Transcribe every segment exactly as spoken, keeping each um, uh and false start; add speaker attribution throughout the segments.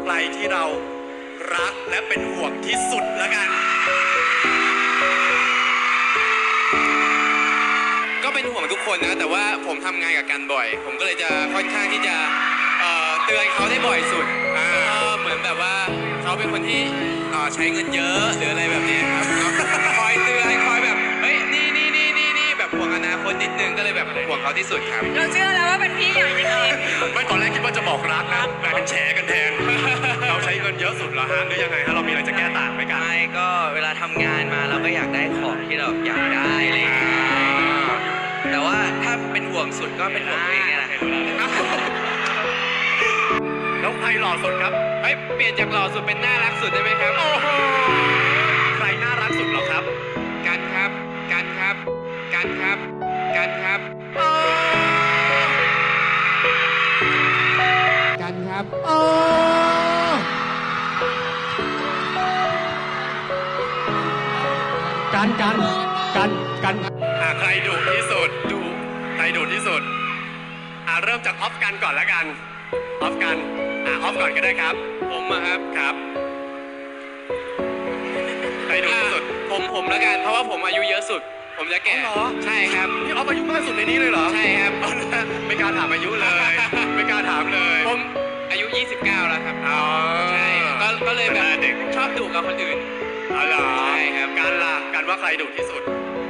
Speaker 1: ใครที่เรารักและเป็นห่วงที่สุดแล้วกัน
Speaker 2: ก็เป็นห่วงทุกคนนะแต่ว่าผมทำงานกับกันบ่อยผมก็เลยจะค่อนข้างที่จะเอ่อเตือนเขาได้บ่อยสุดอ่าเหมือนแบบว่าเขาเป็นคนที่เอ่อใช้เงินเยอะหรืออะไรแบบนี้ครับคอยเตือนคอยแบบเฮ้ยนี่นี่นี่นี่นี่แบบห่วงอนาคตนิดนึงก็เลยแบบห่วงเขาที่สุดครับ
Speaker 3: เราเชื่อแล้วว่าเป็นพี่อย่างจริง
Speaker 1: ไม่ตอนแรกคิดว่าจะบอกรักนะแต่เป็นแชร์กันแทน เราใช้เงินเยอะสุดเหรอฮะหรือยังไงฮะเรามีอะไรจะแก้ต่างไหมกัน
Speaker 4: ไม่ก็เวลาทำงานมาเราก็อยากได้ของที่เราอยากได้อะไรอย่างเงี้ยแต่ว่าถ้าเป็นห่วงสุดก็เป็นห่วงตัวเองเนี่ยแหละ
Speaker 1: แล้วใครหล่อสุดครับ
Speaker 2: เฮ้ยเปลี่ยนจากหล่อสุดเป็นน่ารักสุดได้ไหมครับ
Speaker 1: โอ้โหใครน่ารักสุดเหรอครับ
Speaker 2: กันครับกันครับกันครับกันครับกันครับโอ้
Speaker 5: กันกันกันกัน
Speaker 1: อ่าใครดุที่สุดดุใครดุที่สุดอ่าเริ่มจากออฟกันก่อนแล้วกันออฟกันอ่าออฟก่อนก็ได้ครับ
Speaker 2: ผมอะครับ
Speaker 1: ครับใครดุที่สุด
Speaker 2: ผมผมแล้วกันเพราะว่าผมอายุเยอะสุด ผมจะแก่
Speaker 1: อ๋อเหรอ
Speaker 2: ใช่ครับ
Speaker 1: นี่ออฟอายุมากสุดในนี้เลยเหรอ
Speaker 2: ใช่ครับ
Speaker 1: เอานะไม่กล้าถามอายุเลย ไม่กล้าถามเลย
Speaker 2: ผมอายุยี่สิบเก้าแล้วครับ
Speaker 1: อ๋อ
Speaker 2: ใช่ก็ก็เลยแบบ
Speaker 1: แต่เด็ก
Speaker 2: ชอบดุกับคนอื่น
Speaker 1: อ๋อเหรอ
Speaker 2: ใช่ครับ
Speaker 1: การล่ะการว่าใครดุที่สุด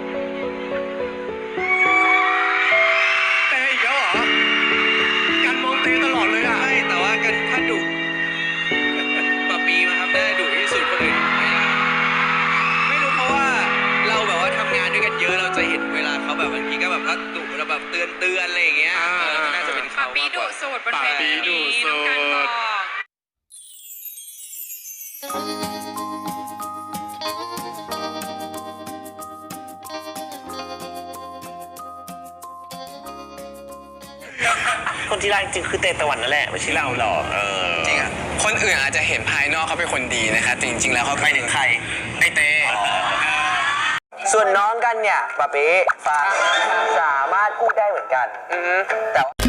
Speaker 1: เตอีกแล้วเหรอการมองเตตลอดเลยอ่ะ
Speaker 4: ไม่แต่ว่ากันถ้าดุปะปีมาครับได้ดุที่สุดคนอื่นไม่ได้ไม่รู้เพราะว่าเราแบบว่าทำงานด้วยกันเยอะเราจะเห็นเวลาเขาแบบบางทีก็แบบถ้าดุเราแบบเตือนเตือนอะไรอย่างเงี้ย
Speaker 1: อ่า
Speaker 4: เออน่าจะเป็น
Speaker 3: ๆ
Speaker 4: เขา
Speaker 3: ปะปี
Speaker 4: มากก
Speaker 3: ดุ
Speaker 4: ว่า
Speaker 3: สูตรบนเว
Speaker 1: ปะปี
Speaker 3: ที
Speaker 1: ดุ
Speaker 3: นี้
Speaker 1: สู
Speaker 3: น้อง
Speaker 1: ตร
Speaker 3: กันบอก
Speaker 6: คนที่รักจริงๆคือเตตะวันนั่นแหละไม่ใช่เราหรอกเออ
Speaker 2: จริงอ่ะคนอื่นอาจจะเห็นภายนอกเขาเป็นคนดีนะครับแต่จริงๆแล้วเขา
Speaker 6: ไปถึงใคร
Speaker 2: ไอเต้
Speaker 6: ส่วนน้องกันเนี่ยปะเป๊ะฟังสามารถพูดได้เหมือนกันแต่ว่า